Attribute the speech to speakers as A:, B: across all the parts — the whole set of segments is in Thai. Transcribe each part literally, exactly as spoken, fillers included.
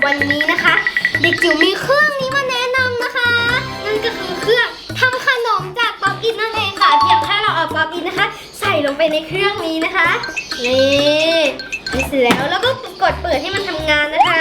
A: วันนี้นะคะเด็กจิ๋วมีเครื่องนี้มาแนะนำนะคะนั่นก็คือเครื่องทำขนมจากป๊อปอินนั่นเองค่ะเพียงแค่เราเอาป๊อปอินนะคะใส่ลงไปในเครื่องนี้นะคะนี่นี่เสร็จแล้วแล้วก็กดเปิดให้มันทำงานนะคะ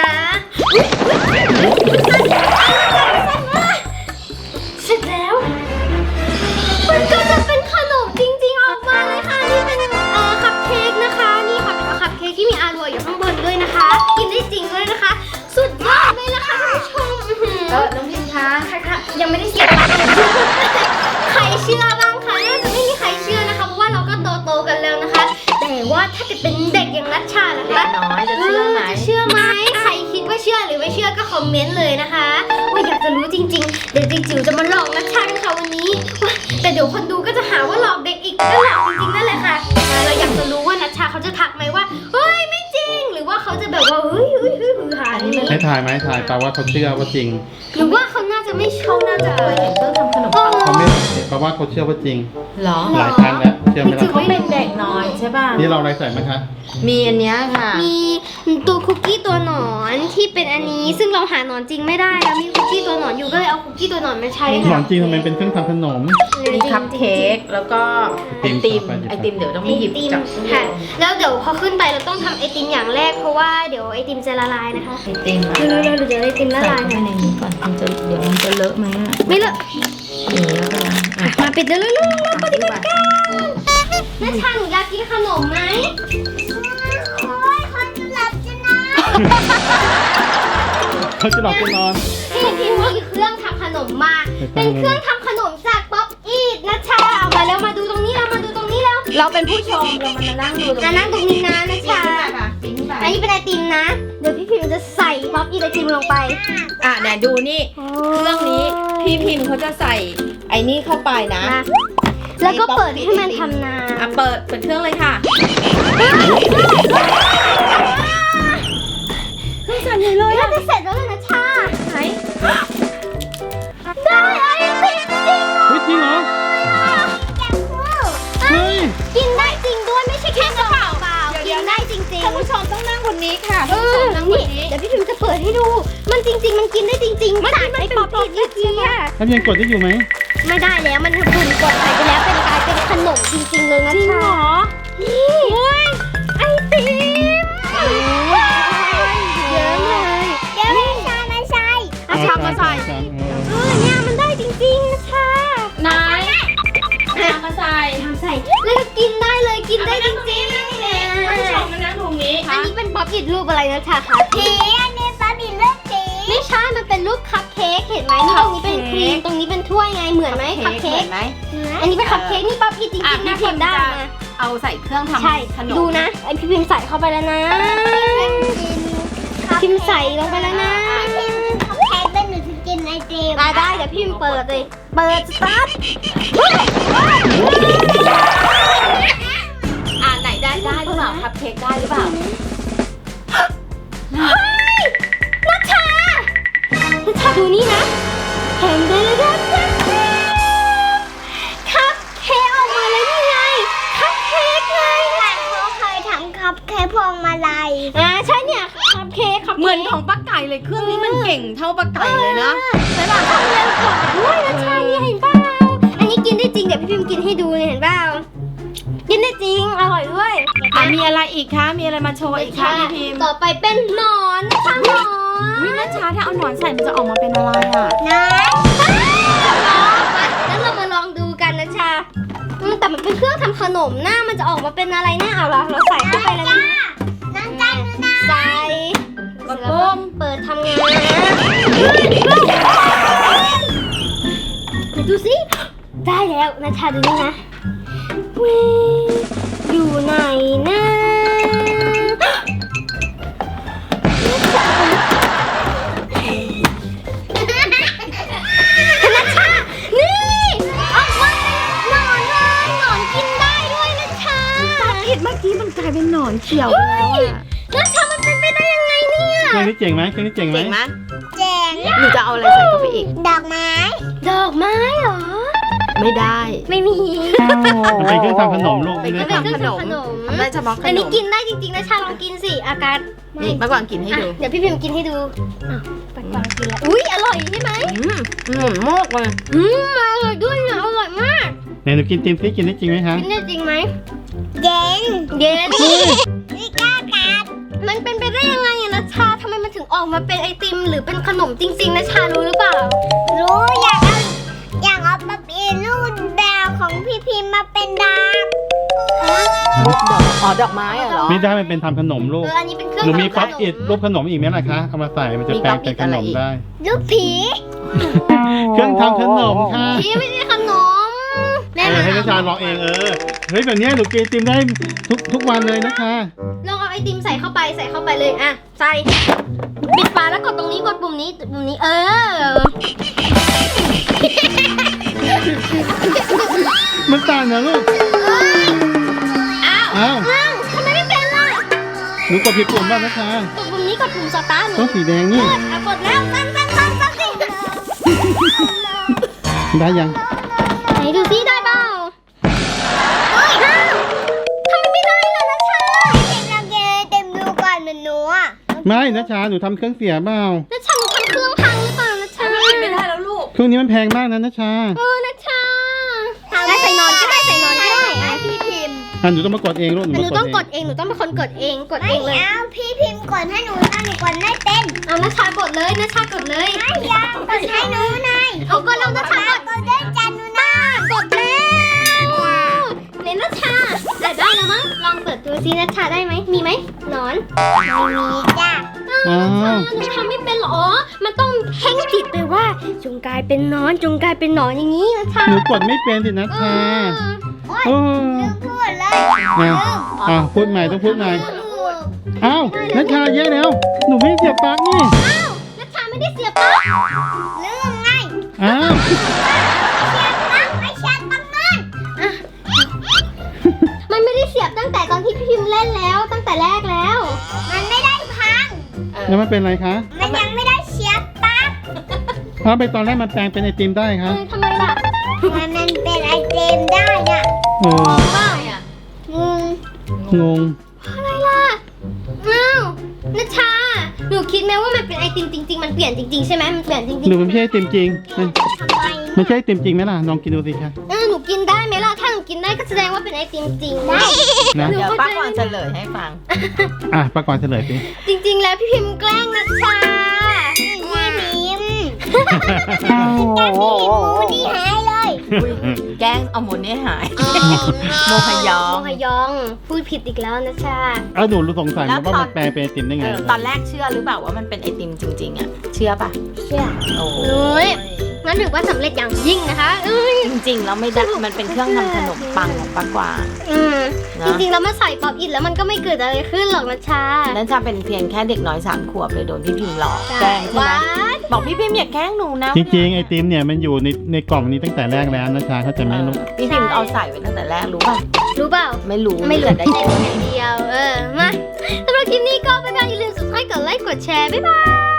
A: เสร็จแล้วมันก็จะเป็นขนมจริงๆออกมาเลยค่ะนี่เป็นเอ่อคัพเค้กนะคะนี่ค่ะเป็นคัพเค้กที่มีอารัวอยู่ข้างบนด้วยนะคะกินได้จริงด้วยนะคะสุดยอดเลยนะคะท่านผู้ชมเออน้องพิมพ์คะค่ะยังไม่ได้เสียตังค์ใครเชื่อบ้างคะน่าจะไม่มีใครเชื่อนะคะเพราะว่าเราก็โตๆกันแล้วนะคะแต่ว่าถ้าจะเป็นเด็กอย่างนัชชาล่ะคะ
B: น้อยจะเชื่อไหม
A: จะเชื่อไหมใครคิดว่าเชื่อหรือไม่เชื่อก็คอมเมนต์เลยนะคะว่าอยากจะรู้จริงๆเดี๋ยวจิ๋วจะมาหลอกนัชชากันค่ะวันนี้แต่เดี๋ยวคนดูก็จะหาว่าหลอกเด็กอีกก็หลอกจริงๆนั่นแหละค่ะเราอยากจะรู้ว่านัชชาเขาจะทักไหมว่าเฮ้ยไม่จริงหรือว่าเขาจะแบบว่าเฮ้ยเฮ้ยเฮ้ยหือหานี่
C: ให้ถ่ายไหมถ่ายแปลว่าเขาเชื่อว่าจริง
A: หรือว่าเขาน่าจะไม่เชื่อน่าจะเคยเห็นเครื่องทำขนมปัง
C: เขาไม่แปลว่าเขาเชื่อว่าจริง
B: หรอ
C: หลายครั้งแล้วเชื่อไหมล่ะ
B: เขาเป็นเด็กน้อยใช่ป่ะ
C: นี่เราอะไรใส่ไหมคะ
B: มีอันเนี้ยค่ะ
A: มีตัวคุกกี้ตัวหนอนที่เป็นอันนี้ซึ่งเราหาหนอนจริงไม่ได้แล้วมีคุกกี้ตัวหนอนอยู่ก็เลยเอาคุกกี้ตัวหนอนมาใช้
C: หนอ
A: ค่ะ
C: นจริงทำไมเป็นเครื่องทำขนม
B: มีคัพเค้กแล้วก็ไอติม
C: ไอติม
B: ไอติมเดี๋ยวต้อง
A: ไอ
B: มีหยิบ
A: ติม
B: จับ
A: ค่ะแล้วเดี๋ยวพอขึ้นไปเราต้องทำไอติมอย่างแรกเพราะว่าเดี๋ยวไอติมจะละลายนะคะ
B: ไอติม
A: เร็วๆเดี๋ยวไอติมละ
B: ใส่
A: ลาย
B: เข้าไป
A: ค่ะ
B: ในนี้ก่อนมันจะเดี๋ยวมันจะเลอะไหมอ่ะ
A: ไม่เลอะ
B: นี่แล้วก็อ่ะ
A: มาปิดเร็วๆเร็วๆปฏิบัติ
B: ไป
A: การแม่ชาหนูอยากกินขนมไหมโอ้ยคนจะหลับจะนอน
C: เขาจะหลอกจะนอน
A: พี่พี่มีเครื่องทำขนมมาเป็นเครื่องทำขนมจากป๊อปอีทนะชาเอามาแล้วมาดูตรงนี้แล้วมาดูตรงนี้แล้ว
B: เราเป็นผู้ชมเรามานั่งดูตรง
A: อ่ะนั่งตรงนี้นะนะชา
B: ปิ้งไป
A: อันนี้เป็นไอติมนะ เดี๋ยวพี่พิมจะใส่ป๊อปอีทไอติมลงไป
B: อ่ะเนี่ยดูนี่เครื่องนี้พี่พิมพ์เขาจะใส่ไอ้นี่เข้าไปนะ
A: มาแล้วก็เปิดให้มันทำนา
B: อ่ะเปิดเปิดเครื่องเลยค่ะเครื่องสั่นใหญ่เลย
A: น่า
B: อ่ะ
A: จะเสร็จแล้วเลยนะชา
B: ไหน
A: ได้ไอติมจริง
C: เฮ้ยจริงเหรอ เฮ้ย
A: กินได้จริงด้วยไม่ใช่แค่กระเป๋าเปล่ากินได้จริงๆ
B: ท่านผู้ชมต้องนั่งคนนี้ค่ะ
A: เอ
B: ท่านผู้ช
A: อ
B: มนั่งคน
A: นี่
B: นี้
A: เดี๋ยวพี่พิมจะเปิดให้ดู มันจริง ๆ มันกินได้จริงๆจากไอ้ป๊อปปี้เมื่อกี้อะ
C: ทำยังกดได้อยู่ไหม
A: ไม่ได้แล้วมันฝุ่นกดใส่ไปแล้วเป็นกลายเป็นขนมจริงๆเลยนะ
B: จริง
A: ชา
B: เหรอ
A: นี่ไอติมเยอะเลยเดี๋ยวให้ชามาใส่
B: เอาชามมาใส่
C: ชามเออ
A: เออเนี่ยมันได้จริงๆนะชา
B: ไหนชามมาใส่
A: ทำใส่แล้วก็กินได้เลยกินได้จริงๆ
B: ท่านผู้ชมมานั่งตรงนี้
A: อันนี้เป็นป๊อปอิทรูปอะไรนะชาคะผีอันนี้ป๊อปอิทรูปผีไม่ใช่มันเป็นรูปคัพเค้กเห็นไหมนี่ตรงนี้เป็นครีมตรงนี้เป็นถ้วยไงเหมือนไหมคัพเค้ก
B: ไหม
A: อันนี้เป็นคัพเค้กนี่ป๊อปอิทจริง
B: อ่ะ
A: ๆ
B: พี่
A: นะ
B: พิมพ์
A: ทำได้
B: จะ
A: นะ
B: เอาใส่เครื่องทำ
A: ใช่
B: ขนม
A: ดูนะไอพี่พิมพ์ใส่เข้าไปแล้วนะพิมพ์ใส่ลงไปแล้วนะ
D: คัพเค้กเป็นหนูจะกินไอติม
A: ได้ได้เดี๋ยวพิมพ์เปิดเลยเปิดสตาร์ท
B: อ่าไหนได้ได้หรือเปล่าคัพเค้กได้หรือเปล่า
A: เฮ้ยนัชชานัชชาดูนี่นะแฮมเดลดัดคัพเค้กออกมาแล้วนี่ไงคัพเค้กไง
D: แต่เขาเคยทำคัพเค้กพวงมาลัย
A: อ่าใช่เนี่ยคัพเค้กคัพ
B: เหมือน
A: ค้ก
B: ของป้าไก่เลยเครื่องนี้มันเก่งเท่าป้าไก่เลยนะ
A: ใช่ป่ะทำเร็วกว่าด้วยนัชชาเนี่ยเห็นเปล่าอันนี้กินได้จริงเดี๋ยวพี่พิมกินให้ดูเนี่ยเห็นเปล่ากินได้จริงอร่อยด้วย
B: อ่ะมีอะไรอีกคะมีอะไรมาโชว์อีกคะพี่พิมพ์
A: ต่อไปเป็นหนอนนะคะหนอน
B: วินัชชาถ้าเอาหนอนใส่มันจะออกมาเป็นอะไรอ่ะ
A: นะแล้วเรามาลองดูกันนะชาอืมแต่มันเป็นเครื่องทำขนมหน้ามันจะออกมาเป็นอะไรนะเอาละเราใส่เข้าไปแล้วนะ
D: น้ำตาลนะ
A: ใส่
B: กดปุ่ม
A: เปิดทำงานเดี๋ยวดูสิได้แล้วนะชาดูนี่นะเว้ยอยู่ไหนนะนัชชา นี่ออกมาหนอนเลยหนอนกินได้ด้วยนัชชา
B: อิดเมื่อกี้มันกลายเป็นหนอนเขียวไปแล้วอ่ะ
A: นัชชามันเป็นไปได้ยังไงเนี่ย
C: เครื่องนี้เจ๋งไหมเครื่องนี้เจ๋งไหม
B: เก่งไหม
D: แจง
B: หนูจะเอาอะไรใส่เข้าไปอีก
D: ดอกไม้
A: ดอกไม้เหรอ
B: ไม่ได้
A: ไม่มี
C: มันเป็นเครื่องทำขนมลูก
B: เป็น
C: ไม่
B: เค
C: ได้
B: รื่อง
C: ทำ
B: ทำขนม
A: ขนม
B: ทำได้เฉพาะข
A: อัน
B: น
A: นี้
B: ม
A: กินได้จริงๆนะชาลองกินสิอากาศ
B: นี่ป้ากวางกินให้ดู
A: อ่ะเดี๋ยวพี่พิมพ์กินให้ดูอ้าวปัดกวางกินแล้วอุ้ยอร่อยใช่ไหม
B: อืมอืมมากเลย
A: อืมอร่อยด้วยนะอร่อยมาก
C: ไหนหนูกินติมซิกินได้จริงไหมคะ
A: กินได้จริงไหม
D: เย็น
A: เย็น
D: ไม่กล้ากัด
A: มันเป็นไปได้ยังไงอะนะชาทำไมมันถึงออกมาเป็นไอติมหรือเป็นขนมจริงๆนะชารู้หรือเปล่า
D: รู้อยากเอาอยากเอาปะปีนูดดาวของพี่พิมพ์มาเป็นดาบ
B: อ๋อดอกไม้อะเหรอ
C: ไม่ได้มันเป็นทำขนมลู
A: เอก ออันนี้เป็นเครื่อง
C: หนูมี
A: ทำข
C: ป๊อป
A: น
C: อิดรูปขนมอีกไหมล่ะคะเอามาใส่มันจะแปลงเป็นขนมได้
D: ลูกผี
C: เครื่องทำขนมค่ะ
A: พี่ไม่ใช่ขนมแม่
C: เออ
A: มา
C: ให้นัชชาลองเองเออเฮ้ยแบบเนี้ยหนูกินไอติมได้ทุกทุกวันเลยนะคะ
A: ลองเอาไอติมใส่เข้าไปใส่เข้าไปเลยอ่ะใส่ปิดฝาแล้วกดตรงนี้กดปุ่มนี้ปุ่มนี้เออ
C: มันต่างนะลูก
A: อ้าว
C: อ้าว
A: อ้าวทำไมไม่เป็นล่ะ
C: หนูกดผิดปุ่มบ้างนะคะ
A: กดปุ่มนี้กดปุ่มสตาร์ทหนู
C: ต้องสีแดงนี่
A: กดอ่ะกดแล้วตั้นตั้นตั้นตั้นสิ
C: ได้ยัง
A: ไหนดูซิได้เปล่าเฮ้ยอ้าวทำไมไม่ได้ล่ะนะชา
D: พี่พิมพ์ลองกินไอติมดูก่อนเหมือนหนูอ่ะ
C: ไม่นัชชาหนูทำเครื่องเสียเปล่า
A: นะชาหนูทำเครื่องพังหรือเปล่านะชา
B: กินไม่ได้แล้วลูก
C: เครื่องนี้มันแพงมากนะนัชชา
A: เออนะชาได้ใส่นอนก็ได้ใส่นอนก็ได้
D: ให้
A: อ่ะ
D: พี่พิมพ์
C: อ่ะหนูต้องมากดเองลูกหนู
A: แต่ห
C: มา
A: นู
C: กด
A: ต้องก
C: เอ
A: ด
C: ง
A: เองหนูต้องเป็นคนกดเองกด
D: ไม่
A: เองเลย
D: เอาพี่พิมพ์กดให้หนูนะหนูกดไม่เป็น
A: เอานะชากดเลยนะชากดเลย
D: ไม่อยากกดให้หนูหน่อย
A: เอากดแล้วนะชากด
D: กดด้วยกันหนูนะ
A: กดแล้วเนนะชาแต่ได้แล้วมั้งลองเปิดดูซินะชาได้ไหมมีไหมหนอน
D: ไม่มีจ้ะ
C: อ้าว
A: หนูทำไม่เป็นหรออ๋อมันต้องเพ่งจิตไปว่า จงกลายเป็นหนอนจงกลายเป็นหนอนอย่างนี้นะชา
C: หนูกดไม่เป็นสินัช
A: เอ
C: ชา
A: อ
C: โอ้
D: ลืมพูดเลย
C: อ่ะอ่ะพูดใหม่ต้องพูดใหม่
D: พูด
C: อ้าวนัชชาแย่แล้ว หนูไม่ได้เสียบปลั๊กนี่
A: อ้าวนะชาไม่ได้เสียบปลั๊ก
D: ลืมไง
C: อ้าว
D: เชียร์ตั้งไม่เชียร์ตั้งนั่น
A: มันไม่ได้เสียบตั้งแต่ตอนที่พี่พิมพ์เล่นแล้ว ตั้งแต่แรกแล้ว
D: มันไม่ได้พัง
C: แล้วมันเป็นอะไรคะ
D: มันยังไม่ได้เชียร์ปั๊บ
C: เพราะไปตอนแรกมันแปลงเป็นไอติมได้
A: เอ
C: คะ
A: อทำไมล่ะ
D: มันมันเป็นไอเทมได้น่ะ
C: เออ
A: ว้าว
D: งง
C: งง
A: อะไรล่ะอ้าวนัชชา หนูคิดไหมว่ามันเป็นไอติมจริง ๆ มันเปลี่ยนจริงๆใช่ไหมมันเปลี่ยนจริงๆ
C: หนูมันไม่ใช่ไอติมจริงมัน
D: ทำไม
C: มันใช่ไอติมจริงไหมล่ะลองกินดูสิคะ
A: เออหนูกินได้ไหมล่ะ ถ้าหนูกินได้ก็แสดงว่าเป็นไอติมจริงได้
C: นะ
B: เดี๋ยวป้ากวางเฉลยให้ฟัง
C: อ่ะประกอบเฉลยสิ
A: จริง ๆ แล้วพี่พิมพ์แกล้งนัชชา
D: พี่พิมพ์แกพี่พิมพ์หมูนี่หายเลย
B: แกล้งเอาหมูนี่หาย โมฮยอง
A: โมฮยอง พูดผิดอีกแล้วนัชชา
C: เอาหนูรู้สงสัยไหมว่ามันแปลงเป็นไอติมได้ไง
B: เออตอนแรกเชื่อหรือเปล่าว่ามันเป็นไอติมจริงๆอ่ะ เชื่อป่ะ
A: เชื่อ
B: โอ้
A: เอ้ยงั้นถือว่าสำเร็จอย่างยิ่งนะคะเอ้ย
B: จริงๆแล้วไม่ได้มันเป็นเครื่องทำขนมปังของป้ากวาง
A: อืม
B: นะ
A: จริงๆแล้วมาใส่ป๊อปอินแล้วมันก็ไม่เกิดอะไรขึ้นหรอกนัชชา
B: นั่นจะเป็นเพียงแค่เด็กน้อยสามขวบเลยโดนพี่พิมพ์หลอกแกล้งใช่ไหม
A: ว้า
B: บอกพี่พิมพ์อย่าแกล้งหนูนะ
C: จริงๆไอติมเนี่ยมันอยู่ในในกล่องนี้ตั้งแต่แรกแล้วนะชาเข้าใจไหมลูก
B: พี่พิมพ์เอาใส่ไว้ตั้งแต่แรกรู้ป่ะ
A: รู้เปล่า
B: ไม่รู้
A: ไม่เหลือ
B: แต่
A: ได้
B: ได้
A: แค่อย่างเดียว เออ มาสำหรับคลิปนี้ก็บ๊ายบายอย่าลืม subscribe กดไลค์ กดแชร์ บ๊ายบาย